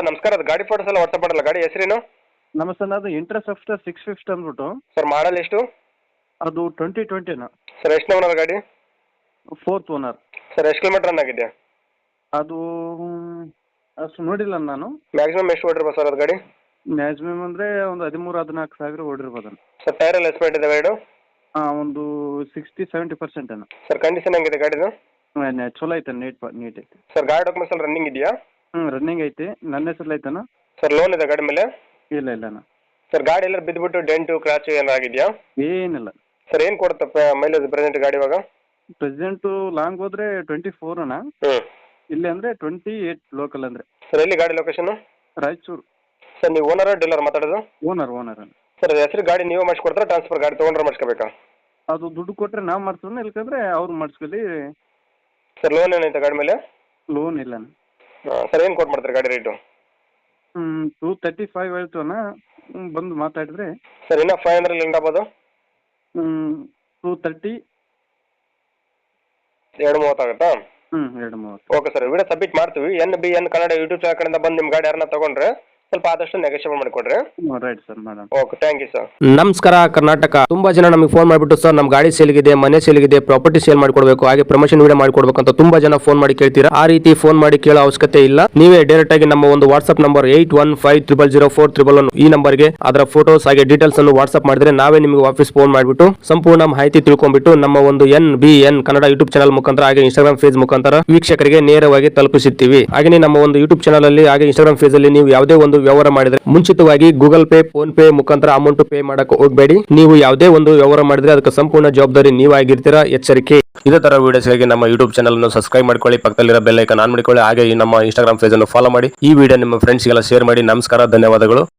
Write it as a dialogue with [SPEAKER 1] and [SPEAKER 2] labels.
[SPEAKER 1] Sir ನಮಸ್ಕಾರ, ಅದು ಗಾಡಿ ಫೋಟೋಸ್ ಎಲ್ಲ ವಾಟ್ಸಪ್ ಮಾಡಲ್ಲ. ಗಾಡಿ ಹೆಸರೇನು?
[SPEAKER 2] ನಮಸ್ತೆ, ಅದು ಇಂಟ್ರೆಸ್ಟ್ 650 ಅಂದ್ಬಿಟ್ಟು.
[SPEAKER 1] ಸರ್ ಮಾಡಲ್ ಎಷ್ಟು?
[SPEAKER 2] ಅದು 2020ನ.
[SPEAKER 1] ಸರ್ ಎಷ್ಟು ಓನರ್ ಗಾಡಿ?
[SPEAKER 2] 4th owner.
[SPEAKER 1] ಸರ್ ಎಷ್ಟು ಕಿಲೋಮೀಟರ್ ರನ್ ಆಗಿದೆ?
[SPEAKER 2] ಅದು ಅಷ್ಟು ನೋಡಿಲ್ಲ ನಾನು.
[SPEAKER 1] ಮ್ಯಾಕ್ಸಿಮಮ್ ಎಷ್ಟು ಓಡಿರ್ಬೋದು ಸರ್ ಅದು ಗಾಡಿ?
[SPEAKER 2] ಮ್ಯಾಕ್ಸಿಮಮ್ ಅಂದರೆ ಒಂದು 13-14 ಸಾವಿರ ಓಡಿರ್ಬೋದು.
[SPEAKER 1] ಸರ್ ಟೈರ್ ಎಲ್ಲ ಎಸ್ಪೇಟ್ ಇದೆ ಗಾಡಿ?
[SPEAKER 2] ಒಂದು 60-70% ಏನೋ.
[SPEAKER 1] ಸರ್ ಕಂಡೀಷನ್ ಹೆಂಗಿದೆ ಗಾಡಿದು?
[SPEAKER 2] ಚಲೋ ಐತೆ, ನೀಟ್ ಐತೆ.
[SPEAKER 1] ಸರ್ ಗಾಡಿ ಡಾಕ್ಯುಮೆಂಟ್ಸ್ ಎಲ್ಲ ರನ್ನಿಂಗ್ ಇದೆಯಾ?
[SPEAKER 2] ರನ್ನಿಂಗ್ ಐತಿ. ನನ್ನ ಹೆಸರು ಐತನ.
[SPEAKER 1] ಸರ್ ಲೋನ್ ಇದೆ ಗಾಡಿ ಮೇಲೆ?
[SPEAKER 2] ಇಲ್ಲ ಅಣ್ಣ.
[SPEAKER 1] ಸರ್ ಗಾಡಿ ಎಲ್ಲ ಬಿದ್ದುಬಿಟ್ಟು ಡೆಂಟು ಕ್ರಾಚ್ ಏನಾರು ಆಗಿದೆಯಾ?
[SPEAKER 2] ಏನಿಲ್ಲ.
[SPEAKER 1] ಸರ್ ಏನು ಕೊಡುತ್ತೆ ಮೈಲೇಜ್ ಪ್ರೆಸೆಂಟ್ ಗಾಡಿ ಇವಾಗ?
[SPEAKER 2] ಪ್ರೆಸೆಂಟು ಲಾಂಗ್ ಹೋದ್ರೆ 24 ಅಣ್ಣ. ಇಲ್ಲಿ ಅಂದರೆ 28 ಲೋಕಲ್ ಅಂದರೆ.
[SPEAKER 1] ಸರ್ ಎಲ್ಲಿ ಗಾಡಿ ಲೊಕೇಶನ್?
[SPEAKER 2] ರಾಯಚೂರು.
[SPEAKER 1] ಸರ್ ನೀವು ಓನರ್ ಡೀಲರ್ ಮಾತಾಡೋದು?
[SPEAKER 2] ಓನರ್.
[SPEAKER 1] ಸರ್ ಹೆಸರು ಗಾಡಿ ನೀವು ಮಾಡಿಸ್ಕೊಡ್ತಾರೆ, ಟ್ರಾನ್ಸ್ಫರ್ ಗಾಡಿ ತೊಗೊಂಡ್ರೆ ಮಾಡಿಸ್ಕೋಬೇಕಾ?
[SPEAKER 2] ಅದು ದುಡ್ಡು ಕೊಟ್ಟರೆ ನಾವು ಮಾಡಿಸೋಣ, ಇಲ್ಕಂದ್ರೆ ಅವ್ರು ಮಾಡಿಸ್ಕೊಳ್ಳಿ.
[SPEAKER 1] ಸರ್ ಲೋನ್ ಏನೈತೆ ಗಾಡಿ ಮೇಲೆ?
[SPEAKER 2] ಲೋನ್ ಇಲ್ಲ.
[SPEAKER 1] ಸರ್ ಏನು ಕೊಟ್ಟು ಮಾಡ್ತಾರೆ ಗಾಡಿ ರೇಟು?
[SPEAKER 2] 235 ಹೇಳ್ತೀವಣ್ಣ, ಬಂದು ಮಾತಾಡಿದ್ರೆ.
[SPEAKER 1] ಸರ್ ಇನ್ನೂ 500 ಎಂಡ್ ಆಗ್ಬೋದು?
[SPEAKER 2] 230.
[SPEAKER 1] 230 ಆಗುತ್ತಾ?
[SPEAKER 2] 230.
[SPEAKER 1] ಓಕೆ ಸರ್, ವಿಡಿಯೋ ಸಬ್ಮಿಟ್ ಮಾಡ್ತೀವಿ. NBN ಕನ್ನಡ ಯೂಟ್ಯೂಬ್ ಚಾನಲ್ ಕಡೆಯಿಂದ ಬಂದು ನಿಮ್ಮ ಗಾಡಿ ಯಾರನ್ನ ತೊಗೊಂಡ್ರೆ ಸ್ವಲ್ಪ ಆದಷ್ಟು ನೆಗೋಷಿಯೇಟ್ ಮಾಡಿಕೊಡ್ರಿ.
[SPEAKER 2] Right sir, madam.
[SPEAKER 1] Okay, thank you sir.
[SPEAKER 3] ನಮಸ್ಕಾರ ಕರ್ನಾಟಕ. ತುಂಬಾ ಜನ ನಮಗೆ ಫೋನ್ ಮಾಡಿಬಿಟ್ಟು ಸರ್ ನಮ್ಮ ಗಾಡಿ ಸೇಲ್ಗಿದೆ, ಮನೆ ಸೇಲ್ಗಿದೆ, ಪ್ರಾಪರ್ಟಿ ಸೇಲ್ ಮಾಡ್ಕೊಡ್ಬೇಕು, ಹಾಗೆ ಪ್ರಮೋಷನ್ ವಿಡಿಯೋ ಮಾಡ್ಕೊಡ್ಬೇಕು ಅಂತ ತುಂಬಾ ಜನ ಫೋನ್ ಮಾಡಿ ಕೇಳ್ತೀರಾ. ಆ ರೀತಿ ಫೋನ್ ಮಾಡಿ ಕೇಳೋ ಅವಶ್ಯಕತೆ ಇಲ್ಲ. ನೀವೇ ಡೈರೆಕ್ಟ್ ಆಗಿ ನಮ್ಮ ಒಂದು ವಾಟ್ಸ್ಆಪ್ ನಂಬರ್ 8150004111 ಈ ನಂಬರ್ಗೆ ಅದರ ಫೋಟೋಸ್ ಹಾಗೆ ಡೀಟೇಲ್ಸ್ ಅನ್ನು ವಾಟ್ಸ್ಆಪ್ ಮಾಡಿದ್ರೆ ನಾವೇ ನಿಮಗೆ ವಾಪಸ್ ಫೋನ್ ಮಾಡಿಬಿಟ್ಟು ಸಂಪೂರ್ಣ ಮಾಹಿತಿ ತಿಳ್ಕೊಂಡ್ಬಿಟ್ಟು ನಮ್ಮ ಒಂದು NBN ಕನ್ನಡ ಯೂಟ್ಯೂಬ್ ಚಾನಲ್ ಮುಖಾಂತರ ಹಾಗೆ ಇನ್ಸ್ಟಾಗ್ರಾಮ್ ಪೇಜ್ ಮುಖಾಂತರ ವೀಕ್ಷಕರಿಗೆ ನೇರವಾಗಿ ತಲುಪಿಸುತ್ತೀವಿ. ಹಾಗೆ ನಮ್ಮ ಒಂದು ಯೂಟ್ಯೂಬ್ ಚಾನಲ್ ಅಲ್ಲಿ ಹಾಗೆ ಇನ್ಸ್ಟಾಗ್ರಾಮ್ ಪೇಜ್ ಅಲ್ಲಿ ನೀವು ಯಾವುದೇ ಒಂದು ವ್ಯವಹಾರ ಮಾಡಿದ್ರೆ ಮುಂಚಿತವಾಗಿ ಗೂಗಲ್ ಪೇ, ಫೋನ್ ಪೇ ಮುಖಾಂತರ ಅಮೌಂಟ್ ಪೇ ಮಾಡಕ್ಕೆ ಹೋಗಬೇಡಿ. ನೀವು ಯಾವುದೇ ಒಂದು ವ್ಯವಹಾರ ಮಾಡಿದ್ರೆ ಅದಕ್ಕೆ ಸಂಪೂರ್ಣ ಜವಾಬ್ದಾರಿ ನೀವಾಗಿರ್ತೀರಾ, ಎಚ್ಚರಿಕೆ. ಇದೇ ತರ ವಿಡಿಯೋಸ್ಗಾಗಿ ನಮ್ಮ ಯೂಟ್ಯೂಬ್ ಚಾನಲ್ ಅನ್ನು ಸಬ್ಸ್ಕ್ರೈಬ್ ಮಾಡ್ಕೊಳ್ಳಿ, ಪಕ್ಕದಲ್ಲಿರೋ ಬೆಲ್ ಐಕಾನ್ ಆನ್ ಮಾಡಿಕೊಳ್ಳಿ, ಹಾಗೆ ನಮ್ಮ ಇನ್ಸ್ಟಾಗ್ರಾಮ್ ಪೇಜ್ ಅನ್ನು ಫಾಲೋ ಮಾಡಿ. ಈ ವಿಡಿಯೋ ನಿಮ್ಮ ಫ್ರೆಂಡ್ಸ್ಗೆಲ್ಲ ಶೇರ್ ಮಾಡಿ. ನಮಸ್ಕಾರ, ಧನ್ಯವಾದಗಳು.